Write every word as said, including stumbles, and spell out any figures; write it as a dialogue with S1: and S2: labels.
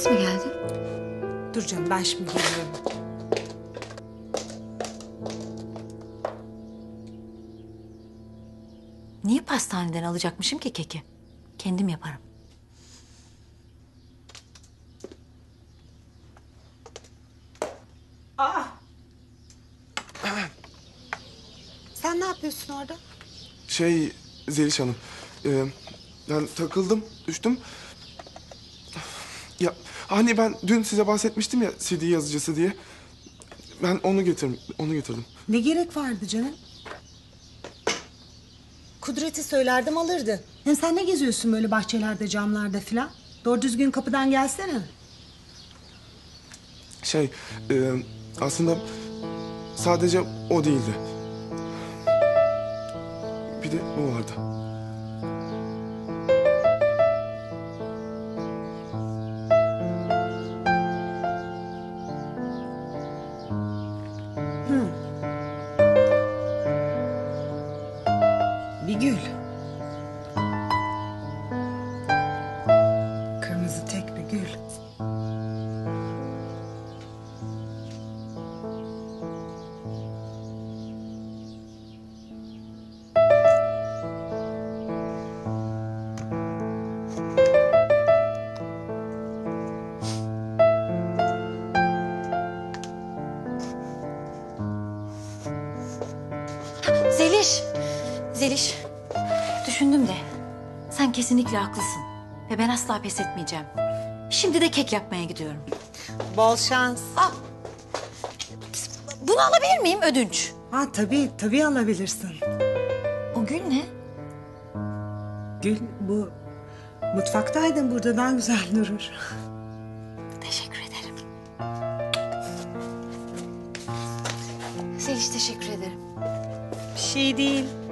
S1: Servis mi geldi?
S2: Dur canım, ben şimdi geliyorum.
S1: Niye pastaneden alacakmışım ki keki? Kendim yaparım.
S2: Aa! Sen ne yapıyorsun orada?
S3: Şey Zeliş Hanım, e, ben takıldım, düştüm. Ya hani ben dün size bahsetmiştim ya C D yazıcısı diye. Ben onu getirdim, onu getirdim.
S2: Ne gerek vardı canım? Kudret'i söylerdim alırdı. Hem sen ne geziyorsun böyle bahçelerde, camlarda filan? Doğru düzgün kapıdan gelsene.
S3: Şey, e, aslında sadece o değildi. Bir de bu vardı.
S2: Bir gül. Kırmızı tek bir gül.
S1: Zeliş! Zeliş! Düşündüm de sen kesinlikle haklısın. Ve ben asla pes etmeyeceğim. Şimdi de kek yapmaya gidiyorum.
S2: Bol şans.
S1: Aa, bunu alabilir miyim ödünç?
S2: Ha tabii, tabii alabilirsin.
S1: O gül ne?
S2: Gül, bu mutfaktaydın, burada daha güzel durur.
S1: Teşekkür ederim. Zeliş teşekkür ederim.
S2: Bir şey değil.